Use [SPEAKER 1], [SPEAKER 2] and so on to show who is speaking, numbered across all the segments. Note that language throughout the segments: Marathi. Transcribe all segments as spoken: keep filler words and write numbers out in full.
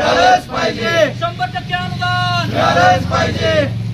[SPEAKER 1] मिळालंच पाहिजे,
[SPEAKER 2] शंभर टक्के अनुदान
[SPEAKER 1] मिळालंच पाहिजे.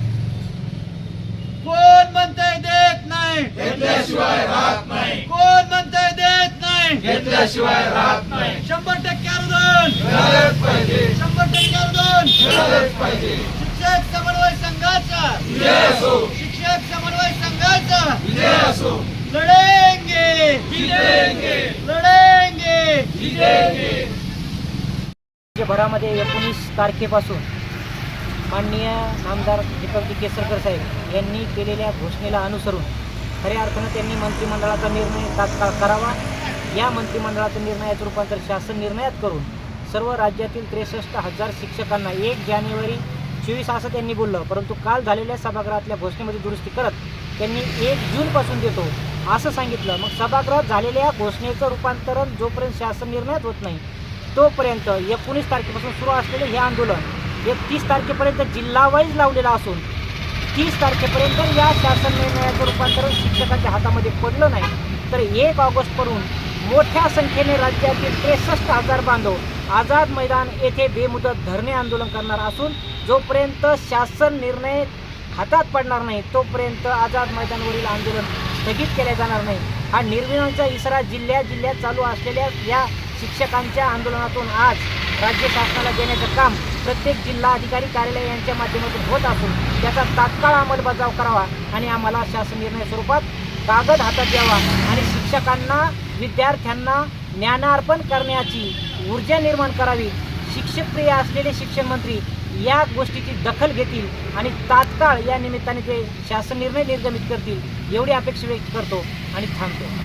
[SPEAKER 2] कोण म्हणतंय देत नाही,
[SPEAKER 1] घेतल्याशिवाय राहत नाही,
[SPEAKER 2] कोण म्हणतंय देत नाही,
[SPEAKER 1] घेतल्याशिवाय राहत नाही.
[SPEAKER 2] शंभर टक्के अनुदान
[SPEAKER 1] मिळालंच पाहिजे,
[SPEAKER 2] शंभर टक्के अनुदान.
[SPEAKER 1] मिळालंच पाहिजे.
[SPEAKER 2] शिक्षक समन्वय संघाचा
[SPEAKER 1] विजय असो,
[SPEAKER 2] शिक्षक समन्वय संघाचा
[SPEAKER 1] विजय असो.
[SPEAKER 2] लढेंगे
[SPEAKER 1] जितेंगे,
[SPEAKER 2] लढेंगे.
[SPEAKER 1] जितेंगे.
[SPEAKER 3] राज्यभरामध्ये एकोणीस तारखेपासून माननीय नामदार दीपकजी केसरकर साहेब यांनी केलेल्या घोषणेला अनुसरून खऱ्या अर्थानं त्यांनी मंत्रिमंडळाचा निर्णय तात्काळ करावा. या मंत्रिमंडळाचं निर्णयाचं रूपांतर शासन निर्णयात करून सर्व राज्यातील त्रेसष्ट हजार शिक्षकांना एक जानेवारी चोवीस असं त्यांनी बोललं, परंतु काल झालेल्या सभागृहातल्या घोषणेमध्ये दुरुस्ती करत त्यांनी एक जूनपासून देतो असं सांगितलं. मग सभागृहात झालेल्या घोषणेचं रूपांतरण जोपर्यंत शासन निर्णयात होत नाही तोपर्यंत एकोणीस तारखेपासून सुरू असलेले हे आंदोलन एकतीस तारखेपर्यंत जिल्हावाईज लावलेलं असून तीस तारखेपर्यंत या शासन निर्णयाचं रूपांतरण शिक्षकांच्या हातामध्ये पडलं नाही तर एक ऑगस्टपासून मोठ्या संख्येने राज्यातील त्रेसष्ट हजार बांधव आझाद मैदान येथे बेमुदत धरणे आंदोलन करणार असून जोपर्यंत शासन निर्णय हातात पडणार नाही तोपर्यंत आझाद मैदानावरील आंदोलन स्थगित केले जाणार नाही. हा निर्विवादाचा इशारा जिल्ह्या जिल्ह्यात चालू असलेल्या या शिक्षकांच्या आंदोलनातून आज राज्य शासनाला देण्याचं काम प्रत्येक जिल्हा अधिकारी कार्यालय यांच्या माध्यमातून होत असून त्याचा तात्काळ अंमलबजाव करावा आणि आम्हाला शासन निर्णय स्वरूपात कागद हातात द्यावा आणि शिक्षकांना विद्यार्थ्यांना ज्ञानार्पण करण्याची ऊर्जा निर्माण करावी. शिक्षकप्रिय असलेले शिक्षण मंत्री या गोष्टीची दखल घेतील आणि तात्काळ या निमित्ताने ते शासन निर्णय निर्गमित करतील एवढी अपेक्षा व्यक्त करतो आणि थांबतो.